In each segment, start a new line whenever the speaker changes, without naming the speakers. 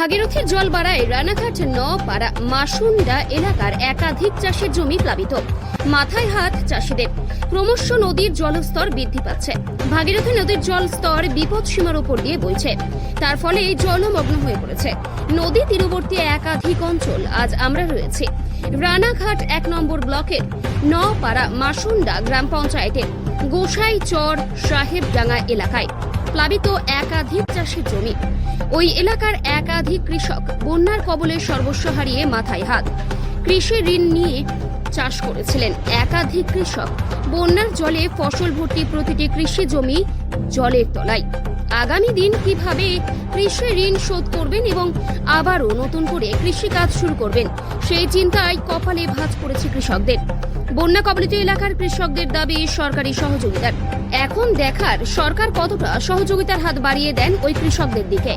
ভাগীরথীর জল বাড়ায় রানাঘাট নপাড়া মাসুন্ডা এলাকার একাধিক চাষের জমি প্লাবিত। মাথায় হাত চাষিদের। ক্রমশ নদীর জলস্তর বৃদ্ধি পাচ্ছে। ভাগীরথী নদীর জল স্তর বিপদ সীমার উপর দিয়ে বইছে। তার ফলে জলমগ্ন হয়ে পড়েছে নদী তীরবর্তী একাধিক অঞ্চল। আজ আমরা রয়েছে রানাঘাট 1 নম্বর ব্লকের নপাড়া মাসুন্ডা গ্রাম পঞ্চায়েতের গোসাইচর সাহেবডাঙ্গা এলাকায় প্লাবিত একাধিক চাষের জমি। ওই এলাকার একাধিক কৃষক বন্যার কবলে সর্বস্ব হারিয়ে মাথায় হাত। কৃষি ঋণ নিয়ে চাষ করেছিলেন একাধিক কৃষক। বন্যার জলে ফসল ভর্তি প্রতিটি কৃষি জমি জলের তলায়। আগামী দিন কিভাবে কৃষি ঋণ শোধ করবেন এবং আবারও নতুন করে কৃষিকাজ শুরু করবেন সেই চিন্তায় কপালে ভাঁজ পড়েছে কৃষকদের। বন্যা কবলিত এলাকার কৃষকদের দাবি সরকারি সহযোগিতার। এখন দেখার সরকার কতটা সহযোগিতার হাত বাড়িয়ে দেন ওই কৃষকদের দিকে।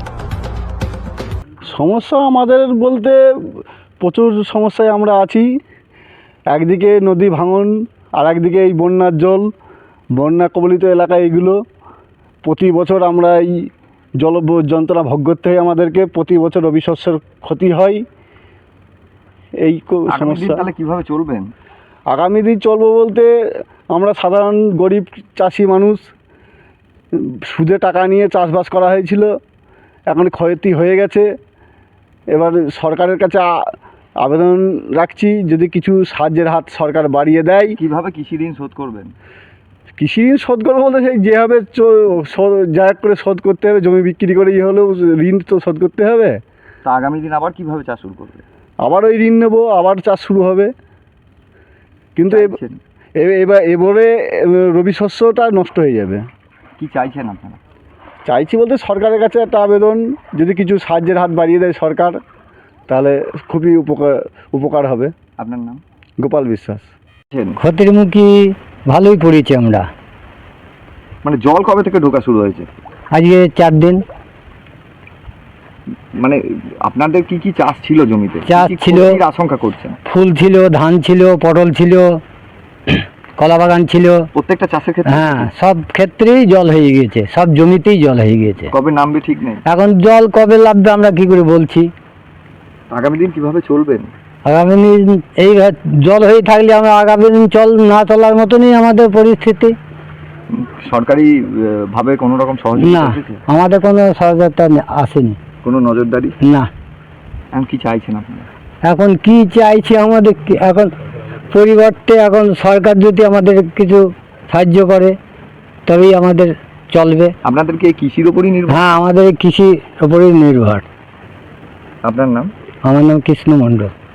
সমস্যা আমাদের বলতে প্রচুর সমস্যায় আমরা আছি। একদিকে নদী ভাঙন, আর একদিকে এই বন্যার জল, বন্যা কবলিত এলাকা এগুলো। প্রতি বছর আমরা এই জল যন্ত্রণা ভোগ করতে হয় আমাদেরকে। প্রতি বছর রবি শস্যের ক্ষতি হয়। এই সমস্যা।
তাহলে কীভাবে চলবেন?
আগামী দিন চলবো বলতে আমরা সাধারণ গরিব চাষি মানুষ, সুদে টাকা নিয়ে চাষবাস করা হয়েছিল, এখন ক্ষতি হয়ে গেছে। এবার সরকারের কাছে আবেদন রাখছি যদি কিছু সাহায্যের হাত সরকার বাড়িয়ে দেয়।
কিভাবে কৃষি ঋণ শোধ করবেন?
কৃষি ঋণ শোধ করবো বলতে সেই যেভাবে যা করে শোধ করতে হবে, জমি বিক্রি করে হলেও ঋণ তো শোধ করতে হবে।
তা আগামী দিন আবার কিভাবে চাষ শুরু করবে?
আবার ওই ঋণ নেবো, আবার চাষ শুরু হবে। কিন্তু এবারে রবি শস্যটা নষ্ট হয়ে যাবে।
কি চাইছেন আপনারা?
চাইছি বলতে সরকারের কাছে একটা আবেদন, যদি কিছু সাহায্যের হাত বাড়িয়ে দেয় সরকার তাহলে খুবই উপকার হবে।
আপনার নাম?
গোপাল বিশ্বাস।
ক্ষতির মুখী ভালোই পড়েছি আমরা।
মানে জল কবে থেকে ঢোকা শুরু হয়েছে?
আজকে 4 দিন।
মানে আপনাদের কি কি চাষ ছিল জমিতে?
চাষ ছিল,
আশঙ্কা করছেন?
ফুল ছিল, ধান ছিল, পটল ছিল, কলা বাগান ছিল।
প্রত্যেকটা চাষের ক্ষেত্রে?
হ্যাঁ, সব ক্ষেত্রেই জল হয়ে গিয়েছে, সব জমিতেই জল হয়ে গিয়েছে।
কবে নামবে ঠিক নেই।
এখন জল কবে নামবে আমরা কি করে বলছি।
আগামী দিন কিভাবে চলবেন?
আগামী দিন এই জল হয়ে থাকলে আমরা আগামী দিন না চলার মতনই আমাদের পরিস্থিতি।
সরকারি ভাবে কোনো রকম সহযোগিতা?
না, আমাদের কোনো সহযোগিতা আসেনি।
কোনো নজরদারি?
না।
এখন কি চাইছেন আপনারা?
এখন কি চাইছি আমাদের, এখন পরিবর্তে এখন সরকার যদি আমাদের কিছু সাহায্য করে তবেই আমাদের চলবে।
আপনাদেরকে কৃষির ওপরই নির্ভর?
হ্যাঁ, আমাদের কৃষির ওপরই নির্ভর।
আপনার নাম?
আমার নাম কৃষ্ণ মণ্ডল।